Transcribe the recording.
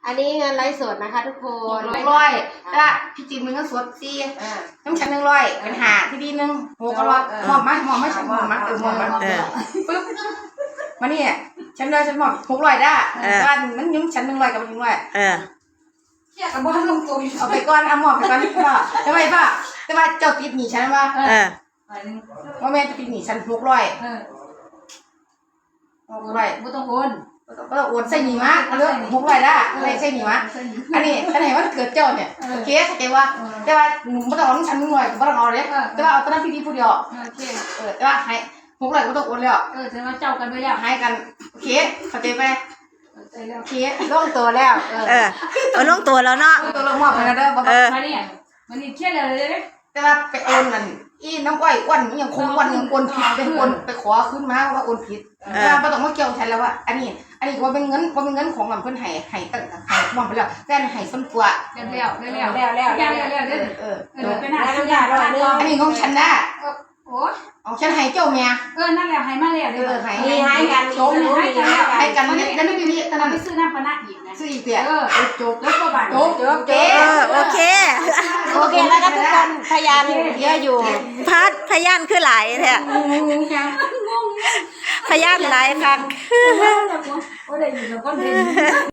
อันนี้เงินไลฟ์สดนะคะทุกคน 600แล้วพี่จีนมึงก็สด4น้ำฉัน100เป็น5พี่ดีนึง600หอมมาปึ๊บมานี่ฉันเลยฉันบอก600ได้บ้านมันยืมฉัน100กับ100เที่ยกับบ้านลงตัวเอาไปก่อนเอาหมอบไปก่อนป่ะทำไมป่ะแต่ว่าเจ้าติดหนีฉันว่าว่าแม่จะติดหนีฉัน600 ไม่ต้องโอนก็โอนใส่หนีมะเรื่อง600ได้อะไรใส่หนีมะอันนี้ว่าเกิดเจ้าเนี่ยโอเคเข้าใจว่าแต่ว่าหนูไม่ต้องเอาฉัน100ไม่ต้องเอาเลยแต่ว่าเอาตอนนั้นพี่ดีพูดเดียวแต่ว่าให้600ไม่ต้องโอนแล้วแต่ว่าเจ้ากันไปแล้วให้กันโอเคเข้าใจไหมโอเคลงตัวแล้วลงตัวแล้วเนาะตัวลงหมอบไปแล้วเด้อมาเนี่ยมันนี่เครียดเลยแต่ว่าไปโอนนั่นน้ำอ้อยอ้วนยังคงอ้วนยังโอนผิดเป็นคนไปขอขึ้นมาว่าโอนผิดไม่ต้องมาเกี่ยวฉันแล้วว่าอันนี้ว่าเป็นเงินของเพื่อนให้ตั้งให้มองไปแล้วแฟนให้ส้นตัวแล้วเป็นหน้าซื้อยาเราอันนี้ของฉันนะโอ้ของฉันให้เจ้าเมียนั่นแหละให้มาแล้วให้กันโจมให้กันแล้วไม่มีตอนนั้นไปซื้อน้ำปนาอีกนะซื้ออีกเดียวจบแล้วก็บ้านจบโอเคแล้วก็ทุกคนพยานเยอะอยู่พยานคือหลายแท้พยานหลายครั้งโอ้ได้ยินแล้วก็เห็น